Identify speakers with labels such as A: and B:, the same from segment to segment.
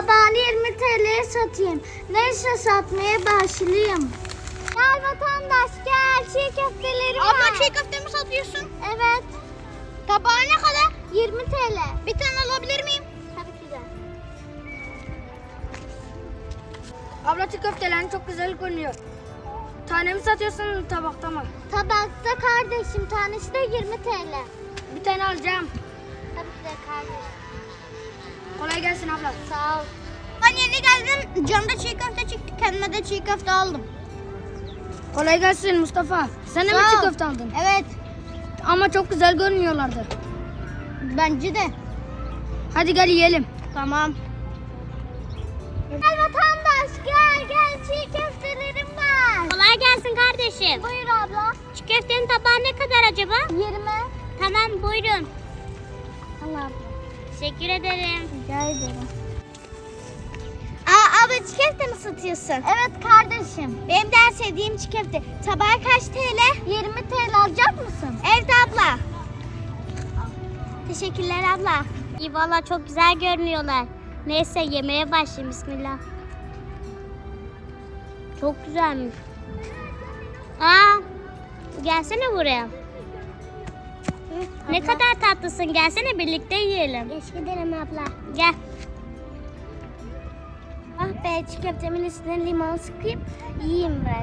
A: tabağını 20 TL'ye satayım. Neyse satmaya başlayayım. Gel vatandaş gel. Çiğ köftelerim var.
B: Abla çiğ köfte mi satıyorsun?
A: Evet.
B: Tabağı ne kadar?
A: 20 TL.
B: Bir tane alabilir miyim?
A: Tabii ki de.
C: Abla çiğ köftelerin çok güzel görünüyor. Tane mi satıyorsun tabakta mı?
A: Tabakta kardeşim tanesi de 20 TL.
C: Bir tane alacağım.
A: Tabii ki de kardeşim.
C: Kolay gelsin abla.
A: Sağ ol.
B: Ben yeni geldim. Camda çiğ köfte çıktı. Kendime de çiğ köfte aldım.
C: Kolay gelsin Mustafa. Sen de mi
B: Sağ
C: çiğ
B: ol.
C: köfte aldın?
B: Evet.
C: Ama çok güzel görünüyorlardı.
B: Bence de.
C: Hadi gel yiyelim.
B: Tamam.
A: Gel vatandaş gel gel çiğ köftelerim var.
B: Kolay gelsin kardeşim.
A: Buyur abla.
B: Çiğ köftenin tabağı ne kadar acaba?
A: 20.
B: Tamam buyurun.
A: Allah abla.
B: Teşekkür ederim.
A: Rica ederim.
B: Abla çiğ köfte mi satıyorsun?
A: Evet kardeşim.
B: Benim de en sevdiğim çiğ köfte. Tabağı kaç TL?
A: 20 TL alacak mısın?
B: Evet abla. Teşekkürler abla. İyi valla çok güzel görünüyorlar. Neyse yemeğe başlayayım bismillah. Çok güzelmiş. Gelsene buraya. Ne kadar tatlısın. Gelsene birlikte yiyelim.
A: Teşekkür ederim abla.
B: Gel.
A: Ah be çiğ köftemin üstüne limon sıkayım. Yiyeyim ben.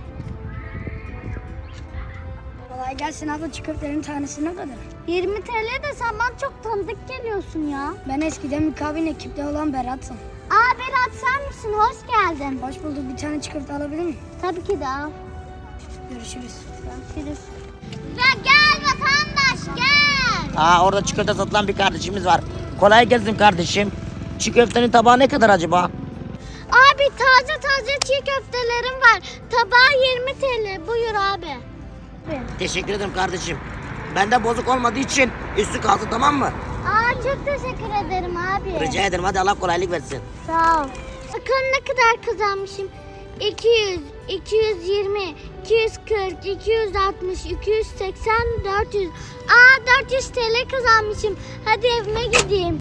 C: Kolay gelsin abla, çiğ köftelerin tanesi ne kadar?
A: 20 TL de sen bana çok tanıdık geliyorsun ya.
C: Ben eskiden mükavin ekipte olan Berat'ım.
A: Aa Berat sen misin? Hoş geldin.
C: Hoş bulduk, bir tane çiğ köfte alabilir miyim?
A: Tabii ki de al.
C: Görüşürüz.
A: Görüşürüz. Ya gel vatandaş gel.
D: Orada çiğ köfte satılan bir kardeşimiz var. Kolay gelsin kardeşim. Çiğ köftenin tabağı ne kadar acaba?
A: Abi taze taze çiğ köftelerim var. Tabağı 20 TL. Buyur abi.
D: Teşekkür ederim kardeşim. Bende bozuk olmadığı için üstü kalsın, tamam mı?
A: Aa çok teşekkür ederim abi.
D: Rica ederim, hadi Allah kolaylık versin.
A: Sağ ol. Bakın ne kadar kazanmışım. 200, 220, 240, 260, 280, 400. 400 TL kazanmışım. Hadi evime gideyim.